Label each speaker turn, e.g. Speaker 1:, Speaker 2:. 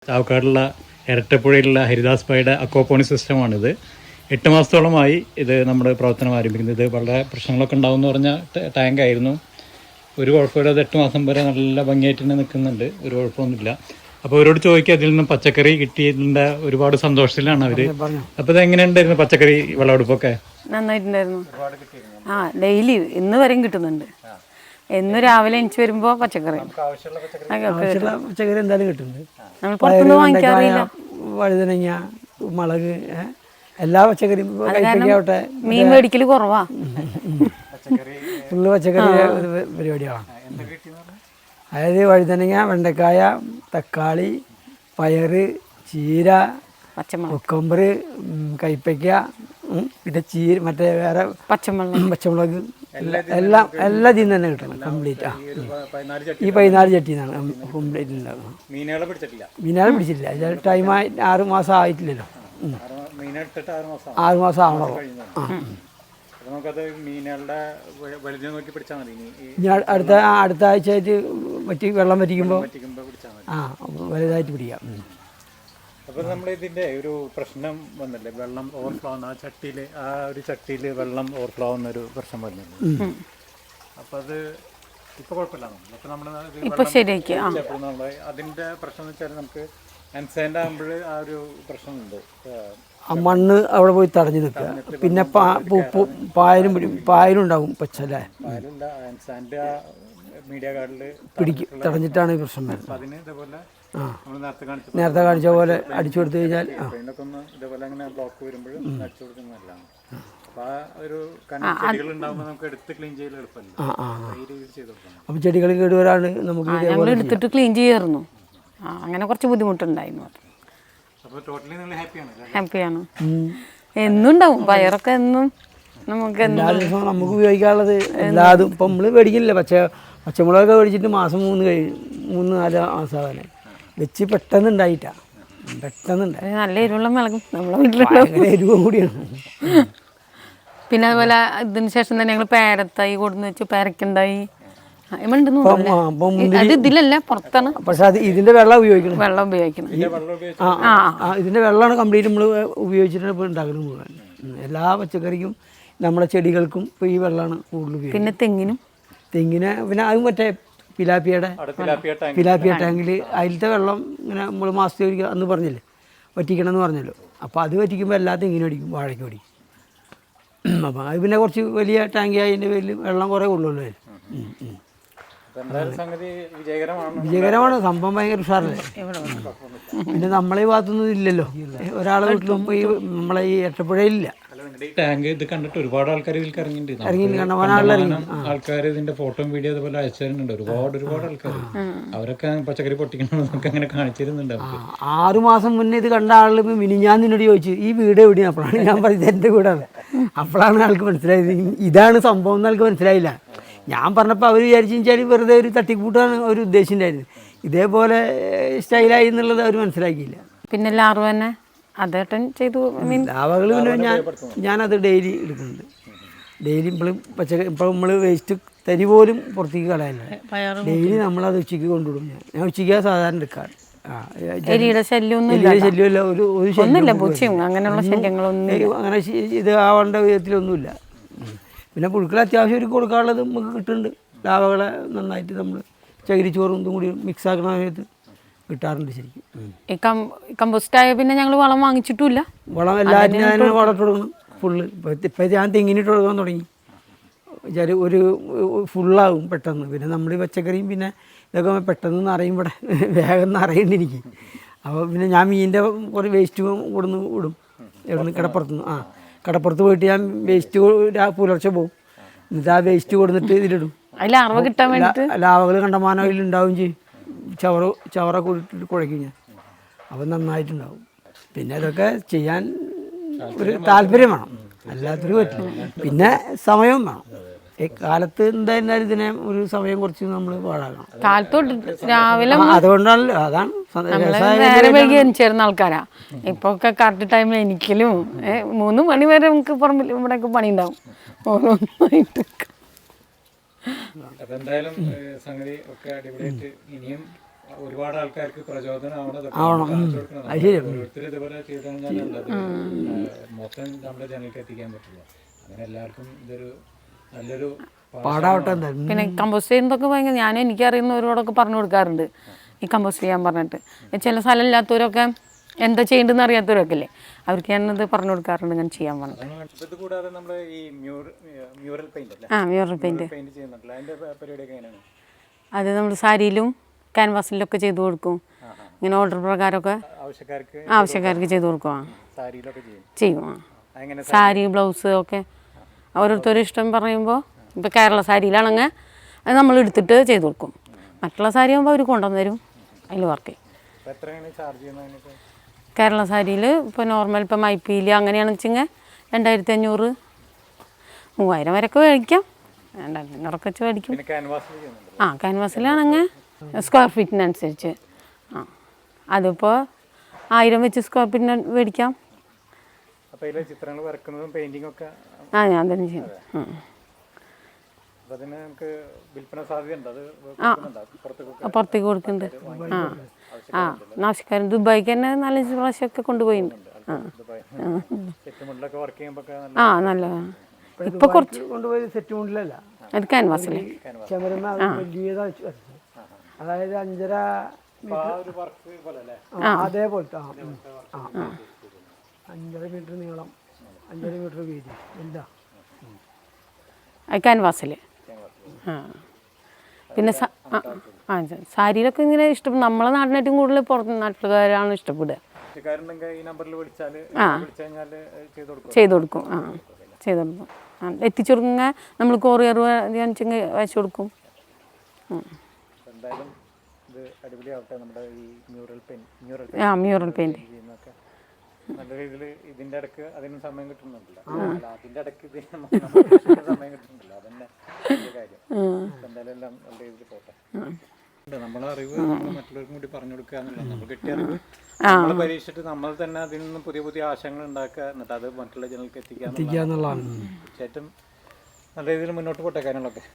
Speaker 1: ചാവക്കാടുള്ള ഇരട്ടപ്പുഴയിലുള്ള Haridas ഭായിയുടെ aquaponic സിസ്റ്റമാണിത്. 8 മാസത്തോളമായി ഇത് നമ്മൾ പ്രവർത്തനം ആരംഭിക്കുന്നത്. ഇത് വളരെ പ്രശ്നങ്ങളൊക്കെ ഉണ്ടാകുമെന്ന് പറഞ്ഞ ടാങ്കായിരുന്നു. ഒരു കുഴപ്പമില്ലാതെ 8 മാസം വരെ നല്ല ഭംഗിയായിട്ട് തന്നെ നിൽക്കുന്നുണ്ട്, ഒരു കുഴപ്പമൊന്നുമില്ല. അപ്പോൾ അവരോട് ചോദിക്കുക, അതിൽ നിന്ന് പച്ചക്കറി കിട്ടിയതിൻ്റെ ഒരുപാട് സന്തോഷത്തിലാണ് അവർ. അപ്പോൾ ഇത് എങ്ങനെയുണ്ടായിരുന്നു പച്ചക്കറി വിളവെടുപ്പൊക്കെ?
Speaker 2: നന്നായിട്ടുണ്ടായിരുന്നു. ഡെയിലി ഇന്ന് വരെയും കിട്ടുന്നുണ്ട്. എന്ന് രാവിലെ എനിക്ക് വരുമ്പോൾ പച്ചക്കറി
Speaker 3: എന്തായാലും കിട്ടുന്നുണ്ട്.
Speaker 2: നമ്മൾ പുറത്തുനിന്ന് വാങ്ങിക്കാറില്ല.
Speaker 3: വഴുതനങ്ങ, മുളക്, എല്ലാ പച്ചക്കറിയും കൈപ്പയ്ക്കാവട്ടെ.
Speaker 2: മീൻ മേടിക്കൽ കുറവാ,
Speaker 3: ഫുള്ള് പച്ചക്കറി പരിപാടിയാണ്. അതായത് വഴുതനങ്ങ, വെണ്ടക്കായ, തക്കാളി, പയറ്, ചീര, കൊക്കമ്പർ, കൈപ്പയ്ക്ക, പിന്നെ മറ്റേ വേറെ പച്ചമുളക് എല്ലാം ഇതിൽ നിന്ന് തന്നെ കിട്ടണം കംപ്ലീറ്റ്. ഈ 14 ചട്ടിന്നാണ് കംപ്ലീറ്റ് ഉണ്ടാകുന്നത്. മീനുകളെ പിടിച്ചില്ല, ഇത് ടൈമായി 6 മാസം ആയിട്ടില്ലല്ലോ. 6 മാസം ആവണോ? അടുത്ത ആഴ്ചയായിട്ട് വെള്ളം വറ്റിക്കുമ്പോൾ വലുതായിട്ട് പിടിക്കാം.
Speaker 1: അപ്പോൾ നമ്മൾ ഇതിൻ്റെ ഒരു പ്രശ്നം വന്നില്ലേ, വെള്ളം ഓവർഫ്ലോ ആവുന്ന ഒരു ചട്ടിയിൽ വെള്ളം ഓവർഫ്ലോ ആവുന്നൊരു പ്രശ്നം വന്നില്ലേ? അപ്പോൾ അത് ഇപ്പോൾ കുഴപ്പമില്ല. അപ്പോൾ നമ്മൾ
Speaker 2: ശരിയാക്കി
Speaker 1: അതിൻ്റെ പ്രശ്നം എന്ന് വെച്ചാൽ നമുക്ക് ആൻസൈൻ്റെ ആകുമ്പോൾ ആ ഒരു പ്രശ്നമുണ്ട്.
Speaker 3: ആ മണ്ണ് അവിടെ പോയി തടഞ്ഞു നിൽക്കുക. പിന്നെ പായലും ഉണ്ടാകും പച്ചല്ലേ,
Speaker 1: മീഡിയ കാർഡിൽ
Speaker 3: തടഞ്ഞിട്ടാണ് ഈ പ്രശ്നം വരുന്നത്. അതിന് ഇതേപോലെ നേരത്തെ കാണിച്ച പോലെ അടിച്ചു കൊടുത്തു കഴിഞ്ഞാൽ
Speaker 1: ഇതേപോലെ അങ്ങനെ ബ്ലോക്ക് വരുമ്പോൾ അടിച്ചു കൊടുക്കുന്നതല്ലാണ്.
Speaker 3: അപ്പൊ ചെടികൾ കേടുവരാണ് നമുക്ക്
Speaker 2: എടുത്തിട്ട് ക്ലീൻ ചെയ്യായിരുന്നു. അങ്ങനെ കുറച്ച് ബുദ്ധിമുട്ടുണ്ടായിരുന്നു. ഹാപ്പിയാണ്. എന്നും ഉണ്ടാവും പയറൊക്കെ, എന്നും നമുക്ക്
Speaker 3: എല്ലാ ദിവസവും നമുക്ക് ഉപയോഗിക്കാനുള്ളത് എല്ലാതും. ഇപ്പം നമ്മൾ മേടിക്കില്ല. പച്ചമുളകൊക്കെ മേടിച്ചിട്ട് 3-4 മാസമാകാനെ വെച്ച് പെട്ടെന്ന് ഉണ്ടായിട്ടാ.
Speaker 2: നല്ല എരിവുള്ള മുളകും നമ്മളെ വീട്ടിലുള്ള
Speaker 3: എരിവും കൂടിയാണ്.
Speaker 2: പിന്നെ അതുപോലെ ഇതിന് ശേഷം തന്നെ ഞങ്ങൾ പേരത്തായി കൊടുന്ന് വെച്ച് പേരക്കുണ്ടായി. ഇതിലല്ല, പുറത്താണ്.
Speaker 3: പക്ഷെ അത് ഇതിന്റെ വെള്ളം ഉപയോഗിക്കണം. ഇതിന്റെ വെള്ളമാണ് കംപ്ലീറ്റ് നമ്മൾ ഉപയോഗിച്ചിട്ടാണ് ഇപ്പോൾ ഉണ്ടാക്കുന്നത് മുഴുവൻ. എല്ലാ പച്ചക്കറിക്കും നമ്മുടെ ചെടികൾക്കും ഇപ്പോൾ ഈ വെള്ളമാണ് കൂടുതൽ ഉപയോഗിക്കുന്നത്.
Speaker 2: പിന്നെ
Speaker 3: തെങ്ങിന് പിന്നെ അത് മറ്റേ പിലാപ്പിയ ടാങ്കിൽ അതിലത്തെ വെള്ളം ഇങ്ങനെ നമ്മൾ മാസത്തിൽ ഒരിക്കൽ അന്ന് പറഞ്ഞില്ലേ വറ്റിക്കണം എന്ന് പറഞ്ഞല്ലോ. അപ്പോൾ അത് വറ്റിക്കുമ്പോൾ എല്ലാ തെങ്ങിനും അടിക്കും, വാഴയ്ക്കും അടിക്കും. അപ്പം അത് പിന്നെ കുറച്ച് വലിയ ടാങ്കി ആയതിൻ്റെ പേരിൽ വെള്ളം കുറേ കൊള്ളുമല്ലോ അതിൽ. വിജയകരമാണ് സംഭവം. ഭയങ്കര ഉഷാറല്ലേ. പിന്നെ നമ്മളെ ഭാഗത്തൊന്നും ഇല്ലല്ലോ, ഒരാളെ വീട്ടിലും ഈ നമ്മളെ ഈ എട്ടപ്പുഴയിലില്ല
Speaker 1: ടാങ്ക്. ഇത് കണ്ടിട്ട് ഒരുപാട് ആൾക്കാർ ഇതിൽ ഇറങ്ങിയിട്ടുണ്ട്. ആൾക്കാർ ഇതിന്റെ ഫോട്ടോ വീഡിയോ അതുപോലെ അയച്ചു തരുന്നുണ്ട്. ഒരുപാട് ആൾക്കാർ അവരൊക്കെ പച്ചക്കറി പൊട്ടിക്കണമെന്നൊക്കെ അങ്ങനെ കാണിച്ചിരുന്നുണ്ട്.
Speaker 3: 6 മാസം മുന്നേ ഇത് കണ്ട ആളുകൾ ഞാൻ നിന്നോട് ചോദിച്ചു ഈ വീട് എവിടെയാണ്. അപ്പോഴാണ് ഞാൻ പറഞ്ഞത് എൻ്റെ വീടാണ്. അപ്പോഴാണ് ആൾക്ക് മനസ്സിലായത് ഇതാണ് സംഭവം എന്ന്. ആൾക്ക് മനസ്സിലായില്ല. ഞാൻ പറഞ്ഞപ്പോൾ അവർ വിചാരിച്ചാൽ വെറുതെ ഒരു തട്ടിക്കൂട്ടാണ് അവർ ഉദ്ദേശിച്ചിട്ടുണ്ടായിരുന്നു. ഇതേപോലെ സ്റ്റൈലായി എന്നുള്ളത് അവർ മനസ്സിലാക്കിയില്ല.
Speaker 2: പിന്നെ ലാർവ തന്നെ അതേട്ടൻ ചെയ്തു.
Speaker 3: ലാവകൾ പിന്നെ ഞാനത് ഡെയിലി എടുക്കുന്നുണ്ട്. ഡെയിലി ഇപ്പോൾ നമ്മൾ വേസ്റ്റ് തരി പോലും പുറത്തേക്ക് കളയാനില്ല. ഡെയിലി നമ്മളത് ഉച്ചയ്ക്ക് കൊണ്ടുവിടും. ഞാൻ ഉച്ചയ്ക്ക് സാധാരണ എടുക്കാറ്.
Speaker 2: ശല്യമല്ല,
Speaker 3: അങ്ങനെ ഇത് ആവേണ്ട വിധത്തിലൊന്നുമില്ല. പിന്നെ പുഴുക്കൾ അത്യാവശ്യം ഒരു കൊടുക്കാനുള്ളത് നമുക്ക് കിട്ടുന്നുണ്ട്. ലാവകളെ നന്നായിട്ട് നമ്മൾ ചകിരിച്ചോറും ഇതും കൂടി മിക്സ് ആക്കുന്ന സമയത്ത് കിട്ടാറുണ്ട് ശരിക്കും.
Speaker 2: കമ്പോസ്റ്റായ പിന്നെ ഞങ്ങൾ വളം വാങ്ങിച്ചിട്ടില്ല.
Speaker 3: വളം എല്ലാവരും ഞാൻ വളമിട്ട് കൊടുക്കണം ഫുള്ള്. ഇപ്പം ഞാൻ തെങ്ങിനിട്ട് കൊടുക്കാൻ തുടങ്ങി. ഒരു ഫുള്ളാകും പെട്ടെന്ന്. പിന്നെ നമ്മൾ ഈ പച്ചക്കറിയും പിന്നെ ഇതൊക്കെ പെട്ടെന്ന് നിറയും. ഇവിടെ വേഗം നിറയുന്നുണ്ട് എനിക്ക്. അപ്പോൾ പിന്നെ ഞാൻ മീനിൻ്റെ കുറേ വേസ്റ്റ് കൊടുന്ന് വിടും. എവിടെ കടപ്പുറത്തുനിന്ന് കടപ്പുറത്ത് പോയിട്ട് ഞാൻ വേസ്റ്റ് പുലർച്ചെ പോകും. എന്നിട്ട് ആ വേസ്റ്റ് കൊടുത്തിട്ട് ഇതിലിടും. ലാവകൾ കണ്ടമാനം അതിലുണ്ടാവും ചെയ്യും. ചവറൊക്കെ ഇട്ടിട്ട് കുഴയ്ക്കും ഞാൻ. അപ്പം നന്നായിട്ടുണ്ടാവും. പിന്നെ ഇതൊക്കെ ചെയ്യാൻ ഒരു താല്പര്യം വേണം, അല്ലാത്തൊരു പറ്റില്ല. പിന്നെ സമയവും വേണം. കാലത്ത് എന്തായിരുന്നാലും ഇതിനെ ഒരു സമയം കുറച്ച് നമ്മൾ പാഴാക്കണം.
Speaker 2: രാവിലെ
Speaker 3: അതുകൊണ്ടാണല്ലോ, അതാണ്
Speaker 2: ചേർന്ന ആൾക്കാരാ. ഇപ്പൊ ഒക്കെ കറക്റ്റ് ടൈമിൽ എനിക്കലും 3 മണി വരെ നമുക്ക് പറമ്പിൽ ഇവിടെയൊക്കെ പണി ഉണ്ടാവും.
Speaker 1: അതെന്തായാലും സംഗതി ഒക്കെ അടിപൊളിയായിട്ട് ഇനിയും ഒരുപാട് ആൾക്കാർക്ക് പ്രചോദനമാവണം.
Speaker 3: അത് ശരി.
Speaker 1: ഓരോരുത്തർ ഇതുപോലെ ചെയ്ത് കഴിഞ്ഞാൽ നല്ലത്. മൊത്തം നമ്മുടെ ജനങ്ങൾക്ക് എത്തിക്കാൻ പറ്റില്ല. അങ്ങനെ എല്ലാവർക്കും ഇതൊരു നല്ലൊരു
Speaker 3: പാടാവട്ടെ എന്തായാലും.
Speaker 2: പിന്നെ കമ്പോസ്റ്റ് ചെയ്യുന്നതൊക്കെ ഭയങ്കര എനിക്കറിയുന്നവരോടൊക്കെ പറഞ്ഞു കൊടുക്കാറുണ്ട് ഈ കമ്പോസ്റ്റ് ചെയ്യാൻ പറഞ്ഞിട്ട്. ചില സ്ഥലം ഇല്ലാത്തവരൊക്കെ എന്താ ചെയ്യേണ്ടതെന്ന് അറിയാത്തവരൊക്കെ അല്ലേ, അവർക്ക് ഞാനത് പറഞ്ഞു കൊടുക്കാറുണ്ട് ഇങ്ങനെ ചെയ്യാൻ പറഞ്ഞിട്ട്.
Speaker 1: ഇത് കൂടാതെ നമ്മൾ ഈ മ്യൂറൽ പെയിന്റ് അല്ലേ,
Speaker 2: മ്യൂറൽ പെയിൻറ്റ്
Speaker 1: പെയിന്റ് ചെയ്യുന്നുണ്ടല്ലോ, അതിന്റെ പരിപാടിയൊക്കെ എങ്ങനെയാണ്?
Speaker 2: അത് നമ്മൾ സാരിയിലും ക്യാൻവാസിലൊക്കെ ചെയ്തു കൊടുക്കും. ഇങ്ങനെ ഓർഡർ പ്രകാരമൊക്കെ ആവശ്യക്കാർക്ക് ചെയ്തു കൊടുക്കും.
Speaker 1: സാരിയിലൊക്കെ
Speaker 2: ചെയ്യും. സാരി ബ്ലൗസ് ഒക്കെ ഓരോരുത്തരും ഇഷ്ടം പറയുമ്പോൾ, ഇപ്പോൾ കേരള സാരിയിലാണെങ്കിൽ അത് നമ്മൾ എടുത്തിട്ട് ചെയ്തു കൊടുക്കും. മറ്റുള്ള സാരി ആകുമ്പോൾ അവർ കൊണ്ടുവന്ന് തരും, അതിൽ വർക്ക് ചെയ്യും. കേരള സാരിയിൽ ഇപ്പോൾ നോർമൽ ഇപ്പോൾ മൈപ്പീല് അങ്ങനെയാണെന്ന് വെച്ചെങ്കിൽ 2500 3000 വരെയൊക്കെ മേടിക്കാം. 2500 വെച്ച് മേടിക്കും. ക്യാൻവാസിലാണെങ്കിൽ സ്ക്വയർ ഫീറ്റിനനുസരിച്ച് അതിപ്പോൾ 1000 വെച്ച് സ്ക്വയർ ഫീറ്റിന് മേടിക്കാം.
Speaker 1: ചിത്രങ്ങൾ വരക്കുന്നതും പെയിന്റിംഗ് ഒക്കെ
Speaker 2: ഞാൻ തന്നെ ചെയ്യും. പുറത്തേക്ക് കൊടുക്കുന്നുണ്ട്. ആവശ്യക്കാരൻ ദുബായിക്ക് തന്നെ 4-5 പ്രാവശ്യമൊക്കെ കൊണ്ടുപോയിട്ടുണ്ട്. നല്ലതാണ്. ഇപ്പൊ കുറച്ച്
Speaker 3: കൊണ്ടുപോയി സെറ്റ് മുണ്ടിലല്ല,
Speaker 2: അത് ക്യാൻവാസിൽ
Speaker 3: അതായത് 5.5 അതേപോലത്തെ 5.5 മീറ്റർ നീളം, 5.5 മീറ്റർ വീതി എന്താ
Speaker 2: ക്യാൻവാസിൽ. പിന്നെ സാരിയിലൊക്കെ ഇങ്ങനെ ഇഷ്ടപ്പെടും. നമ്മളെ നാടിനേറ്റവും കൂടുതൽ പുറത്ത് നാട്ടുകാരാണ് ഇഷ്ടപ്പെടുക. ചെയ്തു കൊടുക്കും. ചെയ്തു കൊടുക്കും. എത്തിച്ചു കൊടുക്കുക. നമ്മൾ കൊറിയർ വെച്ചെങ്കിൽ അയച്ചു കൊടുക്കും. മ്യൂറൽ പെയിന്റ്
Speaker 1: നല്ല രീതിയിൽ ഇതിന്റെ ഇടയ്ക്ക് അതിന് സമയം കിട്ടുന്നുണ്ടല്ലോ, അതിന്റെ ഇടയ്ക്ക് സമയം കിട്ടുന്നുണ്ടല്ലോ, അതന്നെ കാര്യം. എന്തായാലും എല്ലാം നല്ല രീതിയിൽ പോട്ടെ. നമ്മളെ അറിവ് നമ്മൾ മറ്റുള്ളവർക്കും കൂടി പറഞ്ഞു കൊടുക്കുക എന്നുള്ളത്, നമ്മൾ കിട്ടിയ അറിവ് നമ്മൾ പരീക്ഷിച്ചിട്ട് നമ്മൾ തന്നെ അതിൽ നിന്ന് പുതിയ പുതിയ ആശയങ്ങൾ ഉണ്ടാക്കുക, എന്നിട്ട് അത് മറ്റുള്ള ജനങ്ങൾക്ക് എത്തിക്കുക എന്നുള്ളതാണ്. തീർച്ചയായിട്ടും നല്ല രീതിയിൽ മുന്നോട്ട് പോട്ടെ കാര്യങ്ങളൊക്കെ.